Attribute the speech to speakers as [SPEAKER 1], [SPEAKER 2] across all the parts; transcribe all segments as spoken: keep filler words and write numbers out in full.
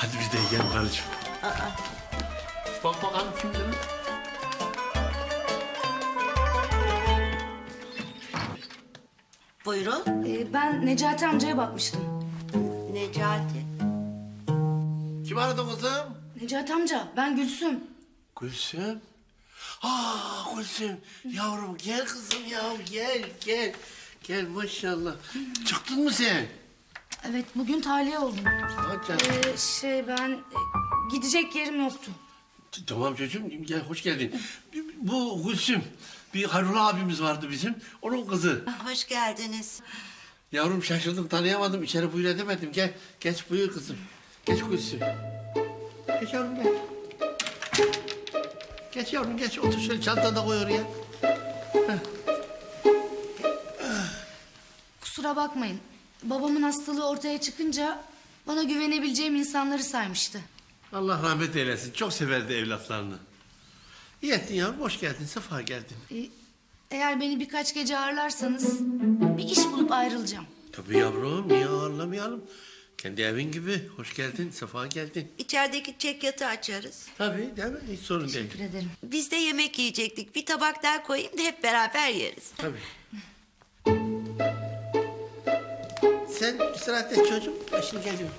[SPEAKER 1] Hadi biz de yiyelim karıcığım. Bak bakalım kimdir o?
[SPEAKER 2] Buyurun.
[SPEAKER 3] Ee, ben Necati amcaya bakmıştım.
[SPEAKER 2] Necati.
[SPEAKER 1] Kim aradı kızım?
[SPEAKER 3] Necati amca, ben Gülsüm.
[SPEAKER 1] Gülsüm. Aa Gülsüm. Yavrum gel kızım ya gel gel. Gel maşallah. Çıktın mı sen?
[SPEAKER 3] Evet, bugün tahliye oldum.
[SPEAKER 1] Ha canım.
[SPEAKER 3] Ee, şey ben e, gidecek yerim yoktu.
[SPEAKER 1] Tamam çocuğum gel hoş geldin. Bu Gülsüm. Bir Harun abimiz vardı bizim. Onun kızı.
[SPEAKER 2] Hoş geldiniz.
[SPEAKER 1] Yavrum şaşırdım tanıyamadım. İçeri buyur edemedim. Gel geç buyur kızım. Geç Gülsüm. Geç yavrum gel. Geç yavrum geç. Otur şöyle çantanı da koy oraya.
[SPEAKER 3] Kusura bakmayın. Babamın hastalığı ortaya çıkınca bana güvenebileceğim insanları saymıştı.
[SPEAKER 1] Allah rahmet eylesin. Çok severdi evlatlarını. İyi ettin yavrum. Hoş geldin. Sefa geldin.
[SPEAKER 3] Ee, eğer beni birkaç gece ağırlarsanız bir iş bulup ayrılacağım.
[SPEAKER 1] Tabii yavrum. Niye ağırlamayalım? Kendi evin gibi. Hoş geldin. Sefa geldin.
[SPEAKER 2] İçerideki çekyatı açarız.
[SPEAKER 1] Tabii değil mi? Hiç sorun değil.
[SPEAKER 3] Teşekkür ederim.
[SPEAKER 2] Biz de yemek yiyecektik. Bir tabak daha koyayım da hep beraber yeriz.
[SPEAKER 1] Tabii. Sen istirahat et çocuğum. Ben şimdi geliyorum.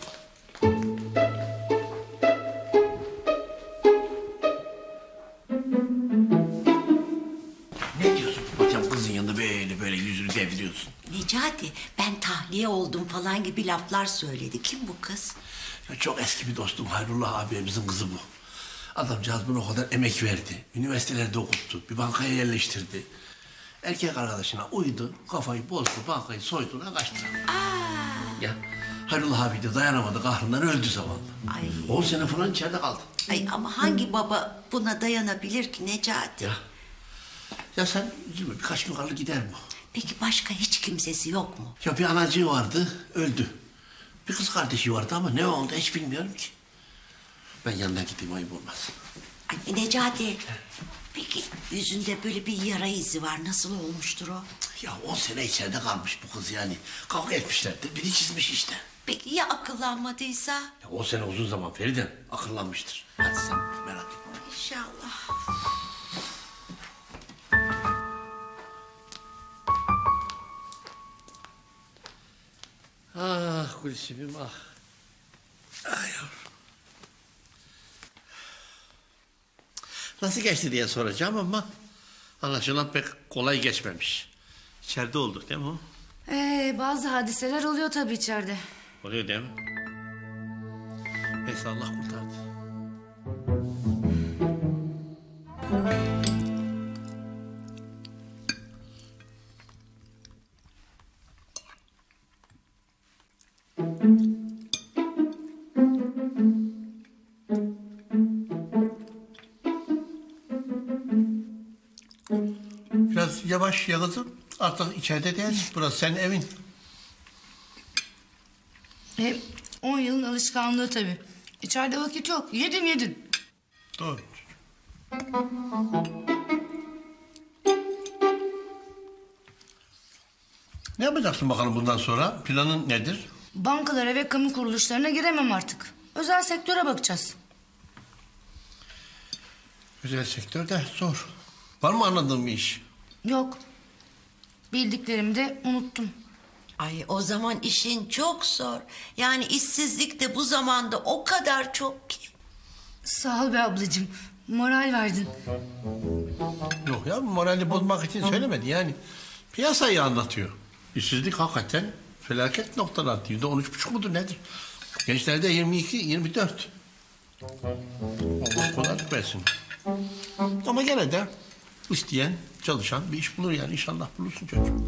[SPEAKER 1] Ne diyorsun hocam kızın yanında böyle böyle yüzünü deviriyorsun?
[SPEAKER 2] Necati, ben tahliye oldum falan gibi laflar söyledi. Kim bu kız?
[SPEAKER 1] Ya çok eski bir dostum Hayrullah abimizin kızı bu. Adamcağız buna o kadar emek verdi. Üniversitelerde okuttu. Bir bankaya yerleştirdi. Erkek arkadaşına uydu, kafayı bozdu, bankayı soyduğuna kaçtı. Ya Hayrullah abi de dayanamadı, kahrından öldü zavallı.
[SPEAKER 2] Ay.
[SPEAKER 1] On sene falan içeride kaldı.
[SPEAKER 2] Ay ama hangi baba buna dayanabilir ki Necati?
[SPEAKER 1] Ya. Ya sen üzülme, birkaç gün kalır gider bu.
[SPEAKER 2] Peki başka hiç kimsesi yok mu?
[SPEAKER 1] Ya bir anacığı vardı, öldü. Bir kız kardeşi vardı ama ne oldu hiç bilmiyorum ki. Ben yanına gideyim, ayıp olmaz.
[SPEAKER 2] Ay Necati, peki yüzünde böyle bir yara izi var. Nasıl olmuştur o?
[SPEAKER 1] Ya on sene içeride kalmış bu kız yani. Kavga etmişler de biri çizmiş işte.
[SPEAKER 2] Peki ya akıllanmadıysa?
[SPEAKER 1] Ya on sene uzun zaman Feride, akıllanmıştır. Hadi sen merak etme.
[SPEAKER 2] İnşallah.
[SPEAKER 1] Ah Gülsüm'üm ah. Ah yavrum. Nasıl geçti diye soracağım ama anlaşılan pek kolay geçmemiş. İçeride olduk değil mi o?
[SPEAKER 3] Ee, bazı hadiseler oluyor tabii içeride.
[SPEAKER 1] Oluyor değil mi? Neyse Allah kurtardı. Biraz yavaş ya kızım. Artık içeride değil. Burası senin evin.
[SPEAKER 3] E, on yılın alışkanlığı tabii. İçeride vakit yok. Yedin yedin.
[SPEAKER 1] Doğru. Ne yapacaksın bakalım bundan sonra? Planın nedir?
[SPEAKER 3] Bankalara ve kamu kuruluşlarına giremem artık. Özel sektöre bakacağız.
[SPEAKER 1] Özel sektörde zor. Var mı anladığın bir iş?
[SPEAKER 3] Yok. Bildiklerimi de unuttum.
[SPEAKER 2] Ay o zaman işin çok zor. Yani işsizlik de bu zamanda o kadar çok ki.
[SPEAKER 3] Sağ ol be ablacığım. Moral verdin.
[SPEAKER 1] Yok ya morali bozmak için söylemedi yani. Piyasayı anlatıyor. İşsizlik hakikaten felaket noktalarda. Yüzde on üç buçuk mudur nedir? Gençlerde yirmi iki, yirmi dört. Allah kolaylık versin. Ama gene de isteyen, çalışan bir iş bulur yani. İnşallah bulursun çocuğum.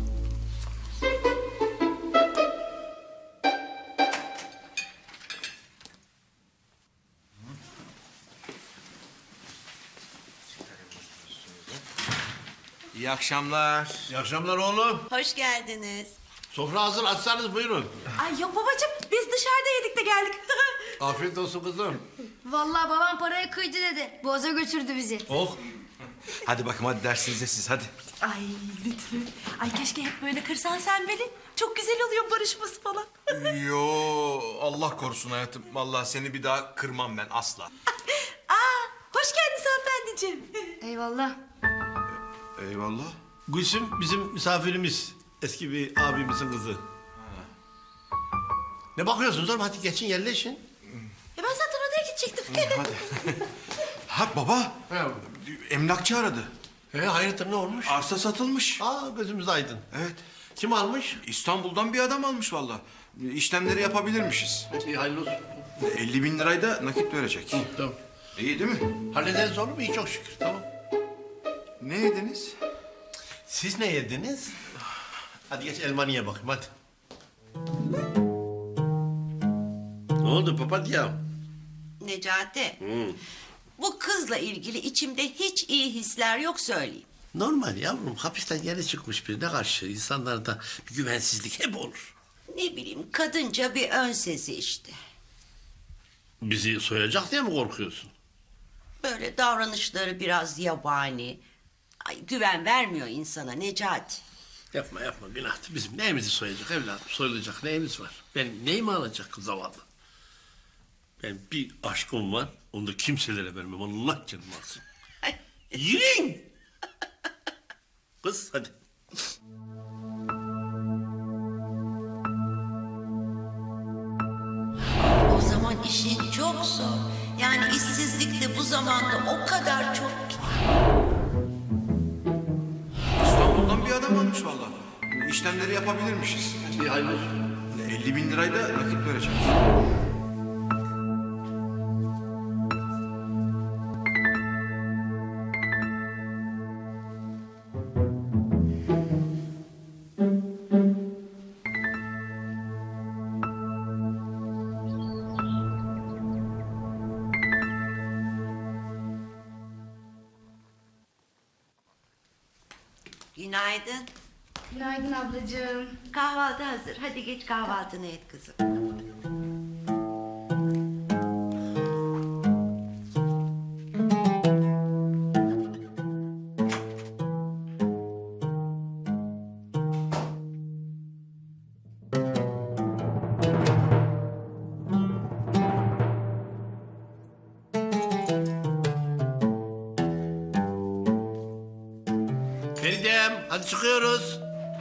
[SPEAKER 4] İyi akşamlar.
[SPEAKER 1] İyi akşamlar oğlum.
[SPEAKER 2] Hoş geldiniz.
[SPEAKER 1] Sofra hazır, açsanız buyurun.
[SPEAKER 5] Ay yok babacığım biz dışarıda yedik de geldik.
[SPEAKER 1] Afiyet olsun kızım.
[SPEAKER 6] Vallahi babam parayı kıydı dedi. Boğaza götürdü bizi.
[SPEAKER 1] Oh.
[SPEAKER 4] Hadi bakayım hadi dersinize siz hadi.
[SPEAKER 5] Ay lütfen. Ay keşke hep böyle kırsan sen beni. Çok güzel oluyor barışması falan.
[SPEAKER 4] Yo Allah korusun hayatım. Vallahi seni bir daha kırmam ben asla.
[SPEAKER 5] Aa, hoş geldiniz hanımefendiciğim.
[SPEAKER 3] Eyvallah.
[SPEAKER 4] Eyvallah.
[SPEAKER 1] Gülsüm bizim misafirimiz. Eski bir abimizin kızı. Ne bakıyorsunuz oğlum? Hadi geçin yerleşin.
[SPEAKER 5] E ben zaten odaya gidecektim.
[SPEAKER 4] Hadi. Ha baba. Emlakçı aradı.
[SPEAKER 1] He, hayırdır ne olmuş?
[SPEAKER 4] Arsa satılmış.
[SPEAKER 1] Aa gözümüz aydın.
[SPEAKER 4] Evet.
[SPEAKER 1] Kim almış?
[SPEAKER 4] İstanbul'dan bir adam almış vallahi. İşlemleri yapabilirmişiz.
[SPEAKER 1] İyi hayırlı olsun.
[SPEAKER 4] elli bin lirayı da nakit verecek.
[SPEAKER 1] Tamam.
[SPEAKER 4] İyi değil mi?
[SPEAKER 1] Hallederiz oğlum iyi çok şükür tamam.
[SPEAKER 4] Ne yediniz?
[SPEAKER 1] Siz ne yediniz? Hadi geç elmanı ye bakayım hadi. Ne oldu papatya?
[SPEAKER 2] Necati. Bu kızla ilgili içimde hiç iyi hisler yok söyleyeyim.
[SPEAKER 1] Normal yavrum hapisten yeni çıkmış birine karşı insanlarda bir güvensizlik hep olur.
[SPEAKER 2] Ne bileyim kadınca bir ön sezi işte.
[SPEAKER 1] Bizi soyacak diye mi korkuyorsun?
[SPEAKER 2] Böyle davranışları biraz yabani. Ay, güven vermiyor insana Necati.
[SPEAKER 1] Yapma yapma günahtır. Bizim neyimizi soyacak evladım? Soyulacak neyimiz var? Benim neyimi alacak kız zavallı? Ben bir aşkım var. Onu da kimselere vermem. Allah canım alsın. Yürüyün. Kız hadi.
[SPEAKER 2] O zaman işin çok zor. Yani işsizlik de bu zamanda o kadar çok ki.
[SPEAKER 4] İstanbul'dan bir adam almış vallahi. İşlemleri yapabilirmişiz.
[SPEAKER 1] İyi hayırlı olsun.
[SPEAKER 4] elli bin lirayı da nakit verecek.
[SPEAKER 2] Günaydın.
[SPEAKER 3] Günaydın ablacığım.
[SPEAKER 2] Kahvaltı hazır. Hadi geç kahvaltını et kızım.
[SPEAKER 1] Feridem hadi çıkıyoruz.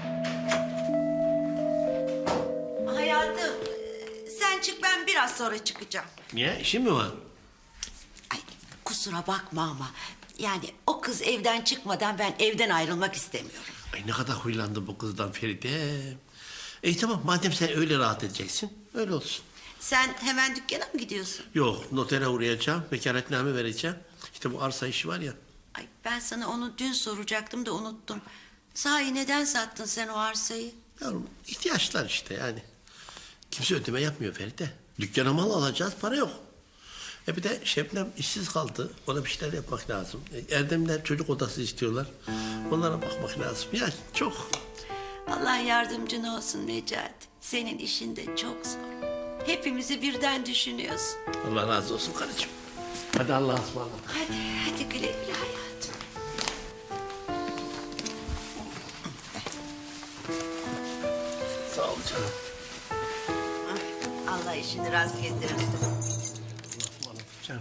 [SPEAKER 2] Hayatım sen çık ben biraz sonra çıkacağım.
[SPEAKER 1] Niye işin mi var?
[SPEAKER 2] Ay kusura bakma ama yani o kız evden çıkmadan ben evden ayrılmak istemiyorum.
[SPEAKER 1] Ay ne kadar huylandı bu kızdan Feridem. İyi tamam madem sen öyle rahat edeceksin öyle olsun.
[SPEAKER 2] Sen hemen dükkana mı gidiyorsun?
[SPEAKER 1] Yok notere uğrayacağım vekaletname vereceğim. İşte bu arsa işi var ya.
[SPEAKER 2] Ay ben sana onu dün soracaktım da unuttum. Sahi neden sattın sen o arsayı?
[SPEAKER 1] Yavrum ihtiyaçlar işte yani. Kimse ödeme yapmıyor Feride. Dükkana mal alacağız para yok. E bir de Şebnem işsiz kaldı. Ona bir şeyler yapmak lazım. E, Erdemler çocuk odası istiyorlar. Onlara bakmak lazım. Yani çok.
[SPEAKER 2] Allah yardımcın olsun Necati. Senin işin de çok zor. Hepimizi birden düşünüyorsun.
[SPEAKER 1] Allah razı olsun karıcığım. Hadi Allah'a ısmarladık.
[SPEAKER 2] Hadi, hadi güle güle hayatım.
[SPEAKER 1] Sağ ol canım.
[SPEAKER 2] Allah işini rast getirsin.
[SPEAKER 1] Ismarladık canım.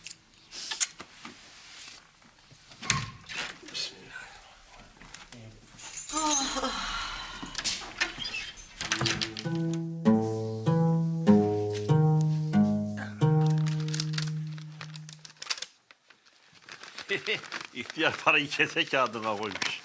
[SPEAKER 1] İhtiyar parayı kese kağıdına koymuş.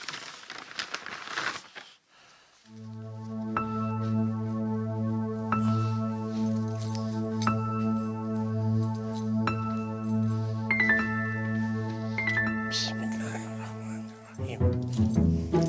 [SPEAKER 1] Bismillahirrahmanirrahim.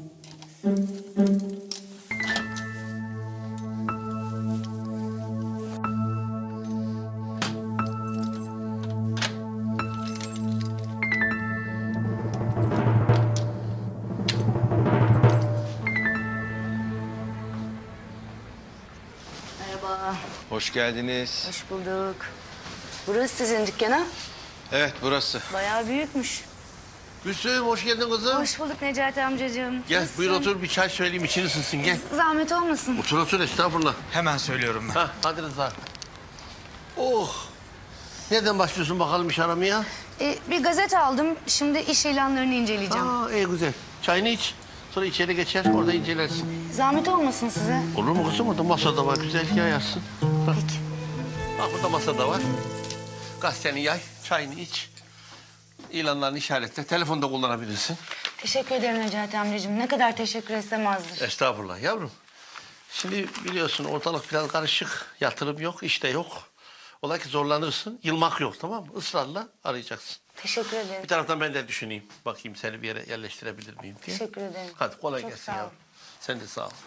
[SPEAKER 3] Merhaba.
[SPEAKER 4] Hoş geldiniz.
[SPEAKER 3] Hoş bulduk. Burası sizin dükkan ha?
[SPEAKER 4] Evet burası.
[SPEAKER 3] Bayağı büyükmüş.
[SPEAKER 1] Gülsüm hoş geldin kızım.
[SPEAKER 3] Hoş bulduk Necati amcacığım.
[SPEAKER 1] Gel
[SPEAKER 3] Nasılsın?
[SPEAKER 1] buyur otur bir çay söyleyeyim için ısınsın gel.
[SPEAKER 3] Zahmet olmasın.
[SPEAKER 1] Otur otur estağfurullah.
[SPEAKER 4] Hemen söylüyorum ben.
[SPEAKER 1] Ha hadi Rıza. Oh. Nereden başlıyorsun bakalım iş aramaya?
[SPEAKER 3] Ee, bir gazete aldım. Şimdi iş ilanlarını inceleyeceğim.
[SPEAKER 1] Aa iyi güzel. Çayını iç. Sonra içeri geçer orada incelersin.
[SPEAKER 3] Zahmet olmasın size.
[SPEAKER 1] Olur mu kızım? Orada masada var. Güzel yayarsın. Bak.
[SPEAKER 3] Peki.
[SPEAKER 1] Bak burada masada var. Gazeteni yay, çayını iç. İlanlarını işaretle. Telefonda kullanabilirsin.
[SPEAKER 3] Teşekkür ederim Necati amcacığım. Ne kadar teşekkür etsem azdır.
[SPEAKER 1] Estağfurullah yavrum. Şimdi biliyorsun ortalık biraz karışık. Yatırım yok, işte yok. Ola ki zorlanırsın. Yılmak yok tamam mı? Israrla arayacaksın.
[SPEAKER 3] Teşekkür ederim.
[SPEAKER 1] Bir taraftan ben de düşüneyim. Bakayım seni bir yere yerleştirebilir miyim diye.
[SPEAKER 3] Teşekkür ederim.
[SPEAKER 1] Hadi kolay
[SPEAKER 3] Çok
[SPEAKER 1] gelsin
[SPEAKER 3] sağ ol.
[SPEAKER 1] yavrum. Sen de sağ ol.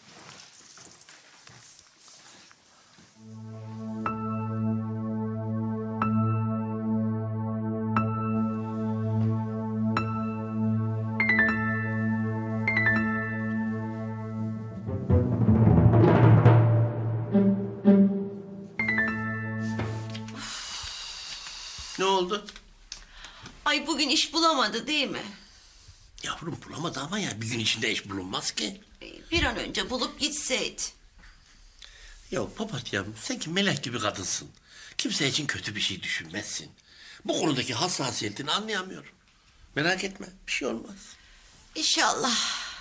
[SPEAKER 1] Ne oldu?
[SPEAKER 2] Ay bugün iş bulamadı değil mi?
[SPEAKER 1] Yavrum bulamadı ama ya bir gün içinde iş bulunmaz ki.
[SPEAKER 2] Ee, Bir an önce bulup gitseydi.
[SPEAKER 1] Ya papatyam sen ki melek gibi kadınsın. Kimse için kötü bir şey düşünmezsin. Bu konudaki hassasiyetini anlayamıyorum. Merak etme bir şey olmaz.
[SPEAKER 2] İnşallah.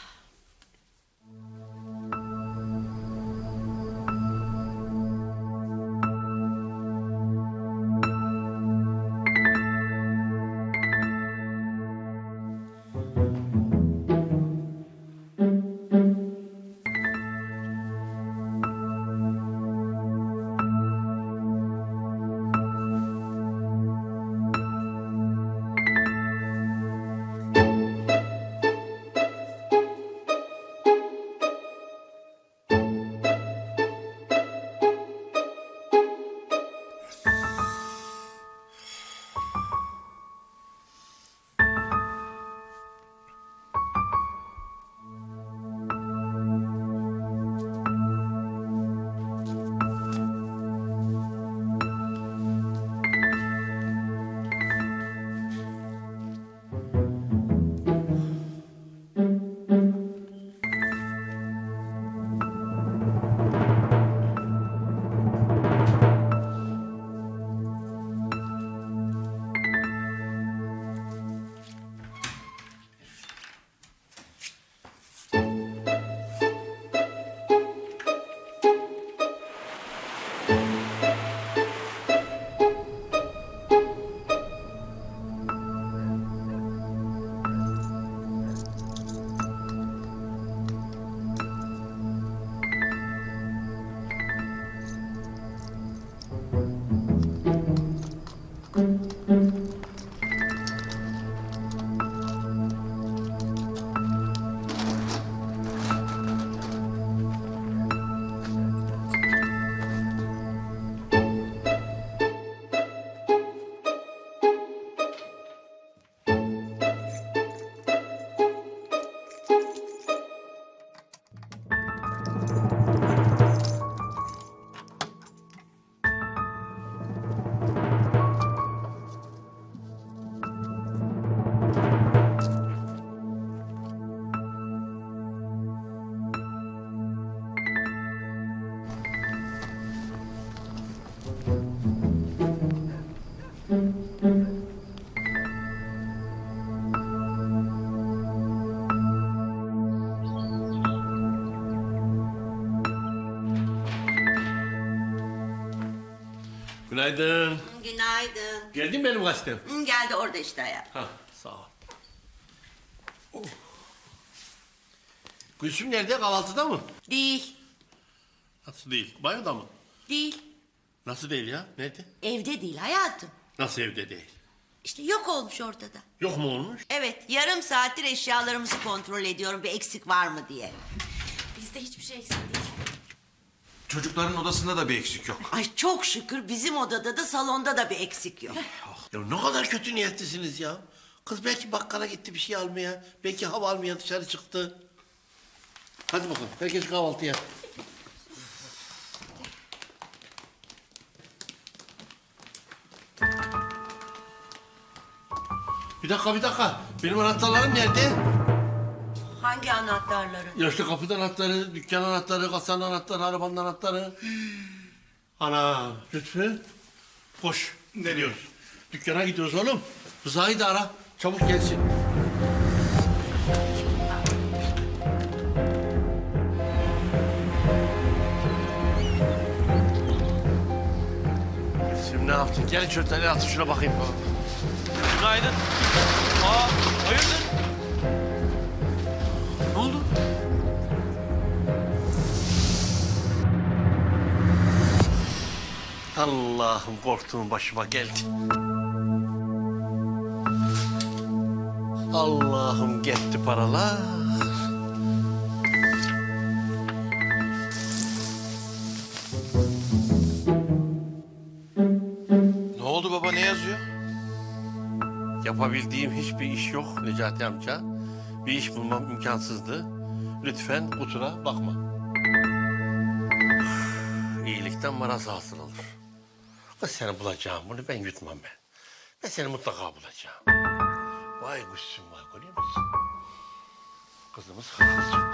[SPEAKER 1] Günaydın.
[SPEAKER 2] Günaydın.
[SPEAKER 1] Geldin mi benim gazetem?
[SPEAKER 2] Hı, geldi orada işte ya.
[SPEAKER 1] Ha sağ ol. Oh. Gülsüm nerede kahvaltıda mı?
[SPEAKER 2] Değil.
[SPEAKER 1] Nasıl değil? Banyoda mı?
[SPEAKER 2] Değil.
[SPEAKER 1] Nasıl değil ya? Nerede?
[SPEAKER 2] Evde değil hayatım.
[SPEAKER 1] Nasıl evde değil?
[SPEAKER 2] İşte yok olmuş ortada.
[SPEAKER 1] Yok mu olmuş?
[SPEAKER 2] Evet yarım saattir eşyalarımızı kontrol ediyorum bir eksik var mı diye.
[SPEAKER 5] Bizde hiçbir şey eksik değil.
[SPEAKER 4] Çocukların odasında da bir eksik yok.
[SPEAKER 2] Ay çok şükür bizim odada da salonda da bir eksik yok.
[SPEAKER 1] Ya ne kadar kötü niyetlisiniz ya. Kız belki bakkala gitti bir şey almaya. Belki hava almaya dışarı çıktı. Hadi bakalım herkes kahvaltıya. Bir dakika bir dakika. Benim anahtarlarım nerede?
[SPEAKER 2] Hangi anahtarları?
[SPEAKER 1] Ya işte kapı anahtarı, dükkan anahtarı, kasanın anahtarı, arabanın anahtarı. Ana Lütfü. Koş. Ne diyoruz? Dükkana gidiyoruz oğlum. Rıza'yı da ara. Çabuk gelsin. Şimdi ne yaptın? Gel çocuklar, atın şuna bakayım.
[SPEAKER 7] Günaydın. Aa, hayırdır? Ne oldu?
[SPEAKER 1] Allah'ım korktuğum başıma geldi. Allah'ım gitti paralar.
[SPEAKER 4] Ne oldu baba, ne yazıyor?
[SPEAKER 1] Yapabildiğim hiçbir iş yok Necati amca. Bir iş bulmam imkansızdı. Lütfen kusura bakma. Üf, İyilikten maraz hasıl olur. Kız seni bulacağım, bunu ben yutmam ben. Ben seni mutlaka bulacağım. Vay kuşsun vay, görüyor musun? Kızımız hırsız çıktı.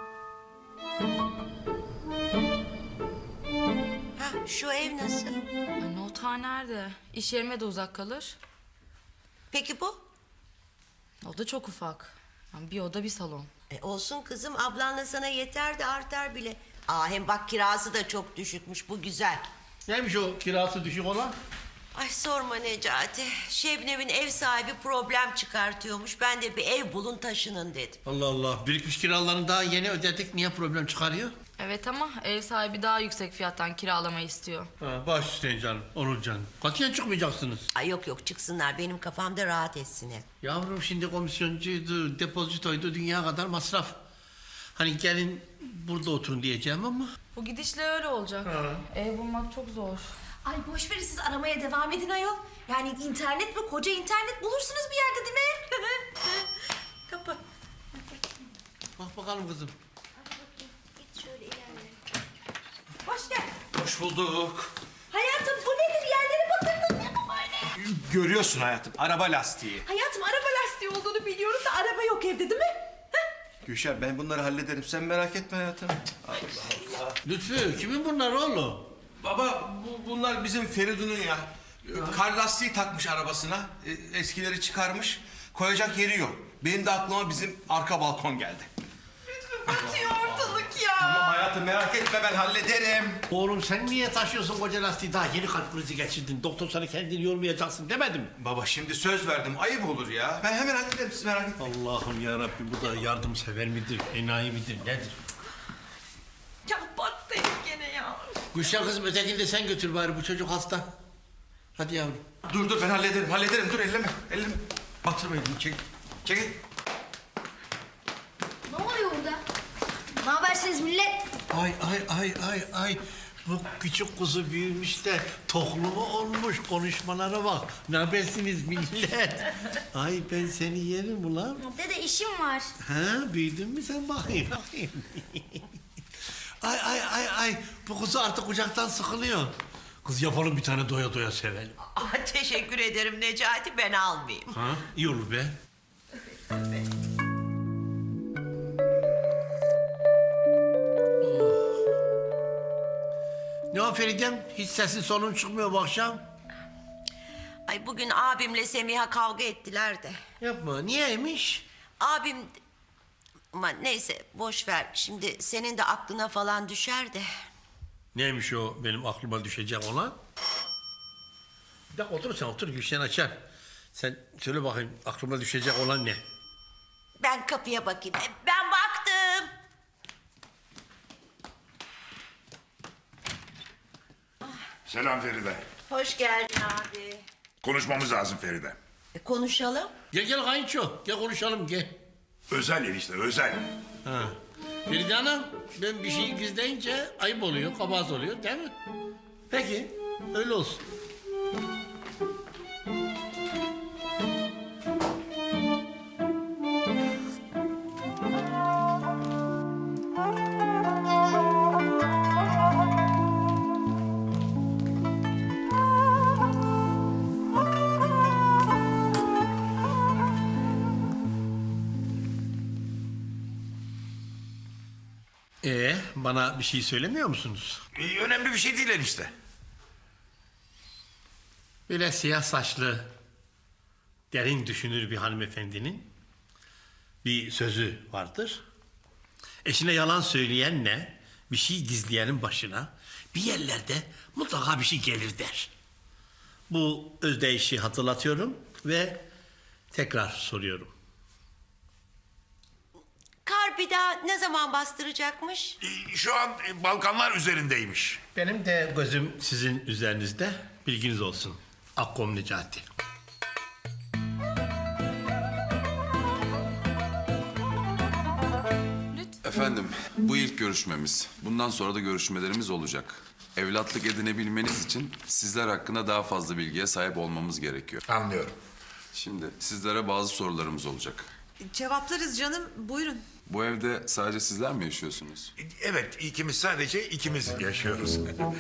[SPEAKER 2] Ha, şu ev nasıl?
[SPEAKER 5] Ay, noter nerede? İş yerime de uzak kalır.
[SPEAKER 2] Peki bu?
[SPEAKER 5] O da çok ufak. Yani bir oda bir salon.
[SPEAKER 2] E olsun kızım, ablanla sana yeter de artar bile. Aa, hem bak kirası da çok düşükmüş, bu güzel.
[SPEAKER 1] Neymiş o kirası düşük olan?
[SPEAKER 2] Ay sorma Necati. Şebnem'in ev sahibi problem çıkartıyormuş. Ben de bir ev bulun taşının dedim.
[SPEAKER 1] Allah Allah, birikmiş kiralarını daha yeni ödedik. Niye problem çıkarıyor?
[SPEAKER 5] Evet ama ev sahibi daha yüksek fiyattan kiralamayı istiyor.
[SPEAKER 1] Ha, baş üstüne canım, Onur canım. Katiyen çıkmayacaksınız.
[SPEAKER 2] Ay yok yok, çıksınlar, benim kafamda rahat etsin hep.
[SPEAKER 1] Yavrum şimdi komisyoncuydu, depozitoydu, dünya kadar masraf. Hani gelin burada oturun diyeceğim ama...
[SPEAKER 5] Bu gidişle öyle olacak. Ev bulmak çok zor.
[SPEAKER 6] Ay boş verin, siz aramaya devam edin ayol. Yani internet mi, koca internet bulursunuz bir yerde değil mi?
[SPEAKER 2] Kapı.
[SPEAKER 1] Bak bakalım kızım.
[SPEAKER 2] Git şöyle ilerle.
[SPEAKER 6] Hoş geldin.
[SPEAKER 4] Hoş bulduk.
[SPEAKER 6] Hayatım bu nedir? Yerlere batırdın değil mi böyle?
[SPEAKER 4] Görüyorsun hayatım, araba lastiği.
[SPEAKER 6] Hayatım araba lastiği olduğunu biliyorum da araba yok evde değil mi?
[SPEAKER 4] Gülşen, ben bunları hallederim, sen merak etme hayatım.
[SPEAKER 1] Lütfü, kimin bunlar oğlum?
[SPEAKER 4] Baba, bu, bunlar bizim Feridun'un ya. Kar lastiği takmış arabasına, e, eskileri çıkarmış, koyacak yeri yok. Benim de aklıma bizim arka balkon geldi.
[SPEAKER 6] Batıyor ortalık ya.
[SPEAKER 4] Tamam hayatım, merak etme, ben hallederim.
[SPEAKER 1] Oğlum sen niye taşıyorsun koca lastiği? Daha yeni kalp krizi geçirdin. Doktor sana kendini yormayacaksın demedim mi?
[SPEAKER 4] Baba şimdi söz verdim, ayıp olur ya. Ben hemen hallederim, siz merak etmeyin.
[SPEAKER 1] Allah'ım yarabbim, bu da yardımsever midir, enayi midir, nedir?
[SPEAKER 6] Ya battı herif gene ya.
[SPEAKER 1] Gülşen kızım, ötekini de sen götür bari, bu çocuk hasta. Hadi yavrum.
[SPEAKER 4] Dur dur, ben hallederim, hallederim. Dur, elleme, elleme. Batırma elini, çek. Çekil.
[SPEAKER 6] Ne oluyor orada? Ne habersiniz millet?
[SPEAKER 1] Ay ay ay ay ay. Bu küçük kuzu büyümüş de tohlumu olmuş, konuşmalara bak. Ne habersiniz millet? Ay ben seni yerim ulan.
[SPEAKER 6] Dede işim var.
[SPEAKER 1] Ha, büyüdün mü sen, bakayım bakayım. Ay ay ay ay, bu kuzu artık kucaktan sıkılıyor. Kız yapalım bir tane doya doya sevelim.
[SPEAKER 2] Aa, teşekkür ederim Necati, ben almayayım.
[SPEAKER 1] Ha, iyi olur be. Ne o Feridem? Hiç sesin solun çıkmıyor bu akşam.
[SPEAKER 2] Ay bugün abimle Semiha kavga ettiler de.
[SPEAKER 1] Yapma, niyeymiş?
[SPEAKER 2] Abim... Ama neyse boş ver. Şimdi senin de aklına falan düşer de.
[SPEAKER 1] Neymiş o benim aklıma düşecek olan? Bir dakika otur sen, otur, Gülşen açar. Sen söyle bakayım, aklıma düşecek olan ne?
[SPEAKER 2] Ben kapıya bakayım. E, Ben baktım.
[SPEAKER 8] Selam Feride.
[SPEAKER 2] Hoş geldin abi.
[SPEAKER 8] Konuşmamız lazım Feride.
[SPEAKER 2] E, konuşalım.
[SPEAKER 1] Gel gel kayınço, gel konuşalım gel.
[SPEAKER 8] Özel enişte, özel.
[SPEAKER 1] Ha. Feride Hanım, ben bir şeyi gizleyince ayıp oluyor, kabahat oluyor değil mi? Peki, öyle olsun. bana bir şey söylemiyor musunuz?
[SPEAKER 8] Ee, önemli bir şey değil enişte.
[SPEAKER 1] Böyle siyah saçlı, derin düşünür bir hanımefendinin bir sözü vardır. Eşine yalan söyleyenle bir şey gizleyenin başına bir yerlerde mutlaka bir şey gelir der. Bu özdeyişi hatırlatıyorum ve tekrar soruyorum.
[SPEAKER 2] Kar bir daha ne zaman bastıracakmış?
[SPEAKER 8] Ee, şu an e, Balkanlar üzerindeymiş.
[SPEAKER 1] Benim de gözüm sizin üzerinizde, bilginiz olsun. Akkom Necati.
[SPEAKER 9] Efendim, bu ilk görüşmemiz. Bundan sonra da görüşmelerimiz olacak. Evlatlık edinebilmeniz için sizler hakkında daha fazla bilgiye sahip olmamız gerekiyor.
[SPEAKER 8] Anlıyorum.
[SPEAKER 9] Şimdi sizlere bazı sorularımız olacak.
[SPEAKER 10] Cevaplarız canım, buyurun.
[SPEAKER 9] Bu evde sadece sizler mi yaşıyorsunuz?
[SPEAKER 8] Ee, Evet, ikimiz sadece ikimiz yaşıyoruz.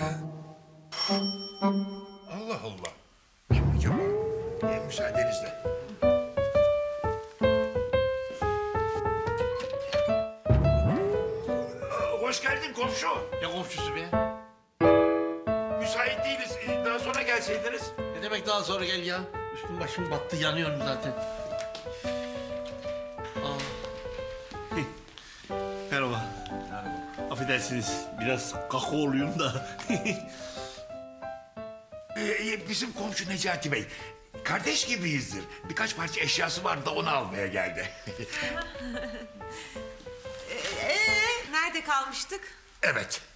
[SPEAKER 8] Allah Allah. Kim acaba? Ee, müsaadenizle. Aa, hoş geldin komşu.
[SPEAKER 1] Ne komşusu be?
[SPEAKER 8] Müsait değiliz. Ee, Daha sonra gelseydiniz.
[SPEAKER 1] Ne demek daha sonra gel ya? Üstüm başım battı, yanıyorum zaten. Aa. Merhaba. Affedersiniz, biraz kakaoluyum da.
[SPEAKER 8] Ee, bizim komşu Necati Bey. Kardeş gibiyizdir. Birkaç parça eşyası vardı da onu almaya geldi.
[SPEAKER 10] Ee, nerede kalmıştık?
[SPEAKER 8] Evet.